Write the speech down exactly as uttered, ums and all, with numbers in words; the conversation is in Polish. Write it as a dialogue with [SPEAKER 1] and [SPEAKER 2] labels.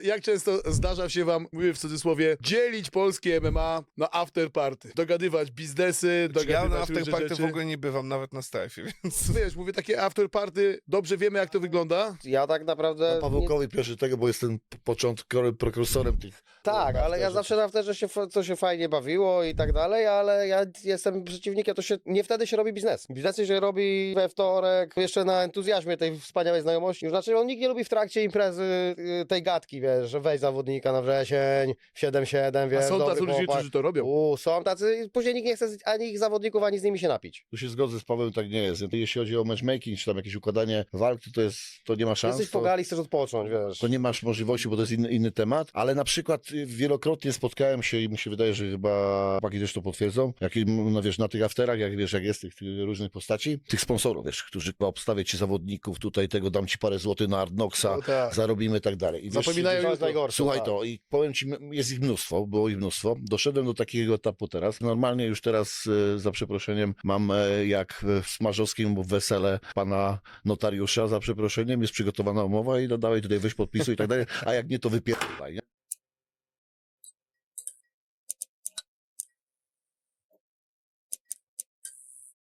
[SPEAKER 1] Jak często zdarza się wam, mówię w cudzysłowie, dzielić polskie M M A na afterparty? Dogadywać biznesy,
[SPEAKER 2] Ja na
[SPEAKER 1] dogadywać różne
[SPEAKER 2] afterparty
[SPEAKER 1] rzeczy.
[SPEAKER 2] w ogóle nie bywam, nawet na strefie, więc...
[SPEAKER 1] Wiesz, mówię takie afterparty, dobrze wiemy jak to wygląda.
[SPEAKER 3] Ja tak naprawdę... nie...
[SPEAKER 4] Pawełkowi proszę tego, bo jestem początkowy prekursorem tych...
[SPEAKER 3] Tak, ale ja zawsze na afterze się, f- to się fajnie bawiło i tak dalej, ale ja jestem przeciwnikiem, to się nie wtedy się robi biznes. Biznesy się robi we wtorek, jeszcze na entuzjazmie tej wspaniałej znajomości. Już znaczy, on nikt nie lubi w trakcie imprezy y, tej gadki, wiesz, że weź zawodnika na wrzesień, w siedem siedem, wiesz,
[SPEAKER 1] A są
[SPEAKER 3] dobry
[SPEAKER 1] tacy ludzie,
[SPEAKER 3] chłopak.
[SPEAKER 1] którzy to robią.
[SPEAKER 3] U, są tacy, później nikt nie chce ani ich zawodników, ani z nimi się napić.
[SPEAKER 4] Tu się zgodzę z Pawłem, tak nie jest. Jeśli chodzi o matchmaking, czy tam jakieś układanie walk, to, to jest, to nie ma szans.
[SPEAKER 3] Jesteś
[SPEAKER 4] To,
[SPEAKER 3] pogali, chcesz odpocząć, wiesz.
[SPEAKER 4] to nie masz możliwości, bo to jest inny, inny temat, ale na przykład y, wielokrotnie spotkałem się i mi się wydaje, że chyba chłopaki też to potwierdzą, jak, no wiesz, na tych afterach, jak wiesz, jak jest tych, tych różnych postaci, tych sponsorów, wiesz, którzy obstawiać ci zawodników, tutaj tego dam ci parę złotych na Arnoxa,
[SPEAKER 1] No tak.
[SPEAKER 4] zarobimy i tak dalej. I wiesz,
[SPEAKER 1] Zapominają
[SPEAKER 3] to
[SPEAKER 1] już
[SPEAKER 3] jest
[SPEAKER 1] to.
[SPEAKER 3] najgorsze.
[SPEAKER 4] Słuchaj
[SPEAKER 3] tak.
[SPEAKER 4] to i powiem ci, jest ich mnóstwo, było ich mnóstwo. Doszedłem do takiego etapu teraz. Normalnie już teraz, e, za przeproszeniem, mam e, jak w Smarzowskim wesele pana notariusza, za przeproszeniem, jest przygotowana umowa i no dawaj tutaj weź podpisu i tak dalej, a jak nie, to wypierdolaj, nie?